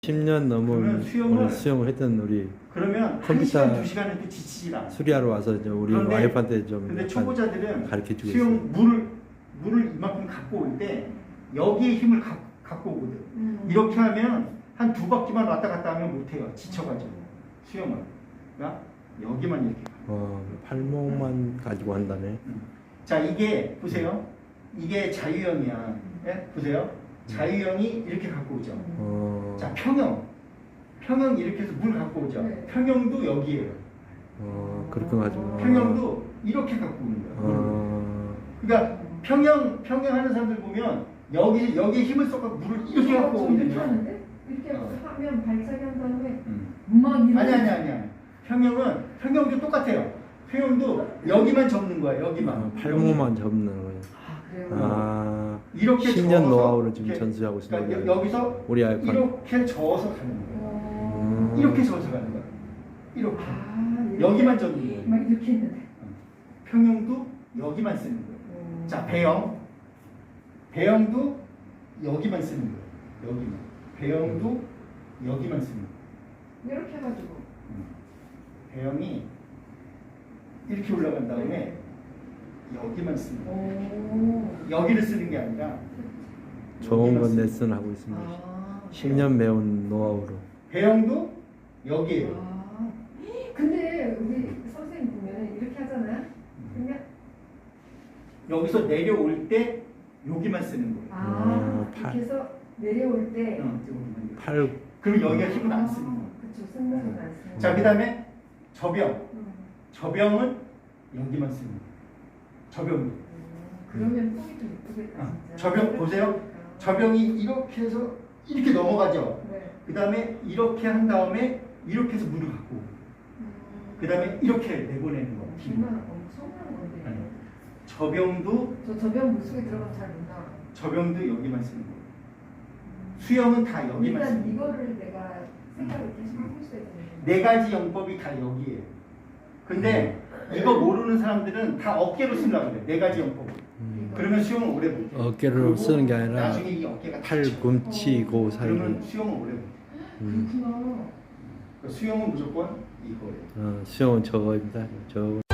10년 넘은 수영을 수영을 했던 우리 그러면 컴퓨터 1시간, 2시간은 지치질 않아. 수리하러 와서 이제 우리 와이프한테 좀 근데 초보자들은 가르쳐 수영 물을 이만큼 갖고 올 때 여기에 힘을 갖고 오거든. 이렇게 하면 한 2바퀴만 왔다 갔다 하면 못해요. 지쳐가지고 수영을. 그러니까 여기만 이렇게. 팔목만 가지고 한다네. 자, 이게 보세요. 이게 자유형이야. 예? 보세요. 자유형이 이렇게 갖고 오죠. 자, 평형 이렇게 해서 물 갖고 오죠. 네. 평형도 여기에요. 그렇게 가지고. 평형도 이렇게 갖고 오는 거야. 그러니까 평형 하는 사람들 보면 여기에 힘을 써서 물을 이렇게 갖고 오거든요. 이렇게 하면 발차기 한 다음에 막 이렇게. 아니야. 평형도 똑같아요. 평형도 여기만 접는 거야. 여기만. 팔목만 접는 거예요. 그래요? 이렇게 10년 저어서 노하우를 지금 이렇게, 전수하고 있습니다. 그러니까 여기서 우리 아이폰. 이렇게 저어서 가는 거야. 이렇게 저어서 가는 거야. 이렇게. 이렇게. 여기만 접는 거야. 막 이렇게 했는데. 평형도 여기만 쓰는 거예요. 자, 배형도 여기만 쓰는 거예요. 여기만. 배형도 여기만 쓰는 거예요. 이렇게 해가지고. 배형이 이렇게 올라간 다음에 여기만 쓰는 거예요. 여기를 쓰는 게 아니라 좋은 건 레슨 하고 있습니다. 10년 배운 노하우로. 배형도 여기에요. 근데 우리 선생님 보면 이렇게 하잖아요. 그러면 여기서 내려올 때 여기만 쓰는 거예요. 이렇게 해서 내려올 때. 여기만. 팔. 그리고 여기가 힘을 안 쓰는 거예요. 그렇죠. 승모는 안 쓰는. 자, 그 다음에 저병은 여기만 쓰는 거예요. 저병도. 그러면 폼이 좀 이쁘겠다. 진짜. 저병 보세요. 저병이 이렇게 해서 이렇게 넘어가죠. 네. 그 다음에 이렇게 한 다음에 이렇게 해서 물을 갖고 오고. 그 다음에 이렇게 내보내는 거. 정말 엄청난 건데. 저병도 저병 물속에 들어가면 잘 못 나와. 저병도 여기만 쓰는 거예요. 수영은 다 여기만 쓰는 일단 거예요. 이거를 내가 생각을 계속 하고 있어야 되는데. 4가지 영법이 다 여기에요. 근데 이거 모르는 사람들은 다 어깨로 쓰려고 그래. 4가지 영법을. 그러면 수영을 오래 못해. 어깨로 쓰는 게 아니라 나중에 이 어깨가 팔 다쳐. 굼치고 그러면 살고. 수영을 오래 못해. 그렇구나. 수영은 무조건 이거예요. 수영은 저거입니다. 저거.